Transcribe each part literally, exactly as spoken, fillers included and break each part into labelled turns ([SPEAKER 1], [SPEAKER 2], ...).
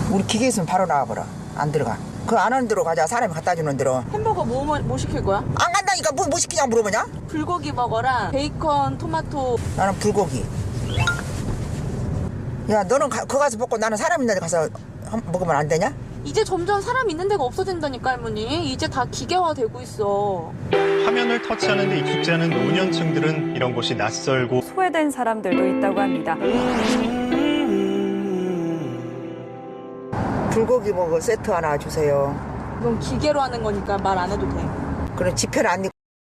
[SPEAKER 1] 우리 기계 있으면 바로 나와버려. 안 들어가. 그 안 하는 대로 가자. 사람이 갖다 주는 대로.
[SPEAKER 2] 햄버거 뭐, 뭐, 뭐 시킬 거야?
[SPEAKER 1] 안 간다니까 뭐, 뭐 시키냐고 물어보냐?
[SPEAKER 2] 불고기 버거랑 베이컨, 토마토.
[SPEAKER 1] 나는 불고기. 야, 너는 가, 거 가서 먹고 나는 사람 있는 데 가서 한- 먹으면 안 되냐?
[SPEAKER 2] 이제 점점 사람 있는 데가 없어진다니까, 할머니. 이제 다 기계화 되고 있어.
[SPEAKER 3] 화면을 터치하는 데 익숙지 않은 노년층들은 이런 곳이 낯설고
[SPEAKER 4] 소외된 사람들도 있다고 합니다.
[SPEAKER 1] 불고기 먹어 세트 하나 주세요.
[SPEAKER 2] 이건 기계로 하는 거니까 말 안 해도 돼.
[SPEAKER 1] 그럼 지폐를 안 입고.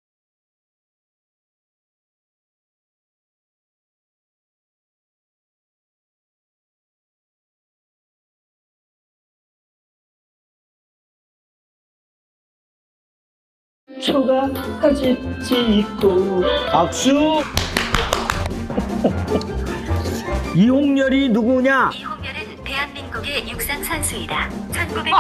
[SPEAKER 5] 초가까지 찍고 박수. 이홍렬이 누구냐?
[SPEAKER 6] 이홍렬은 대한민국의 육상 선수이다. 천구백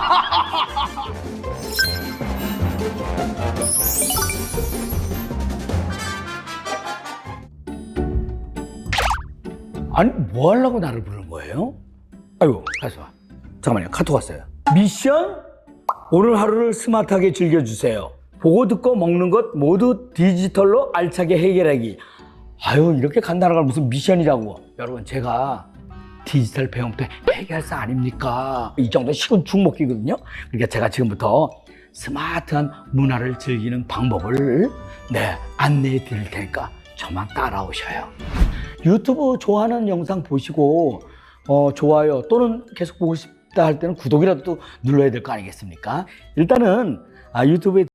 [SPEAKER 5] 아니 뭐 하려고 나를 부르는 거예요? 아이고 가서 와. 잠깐만요, 카톡 왔어요. 미션? 오늘 하루를 스마트하게 즐겨주세요. 보고 듣고 먹는 것 모두 디지털로 알차게 해결하기. 아유, 이렇게 간단한 걸 무슨 미션이라고. 여러분, 제가 디지털 배움터 해결사 아닙니까? 이 정도 식은 죽먹기거든요. 그러니까 제가 지금부터 스마트한 문화를 즐기는 방법을 네 안내해 드릴 테니까 저만 따라오셔요. 유튜브 좋아하는 영상 보시고 어, 좋아요 또는 계속 보고 싶다 할 때는 구독이라도 또 눌러야 될 거 아니겠습니까? 일단은 아, 유튜브에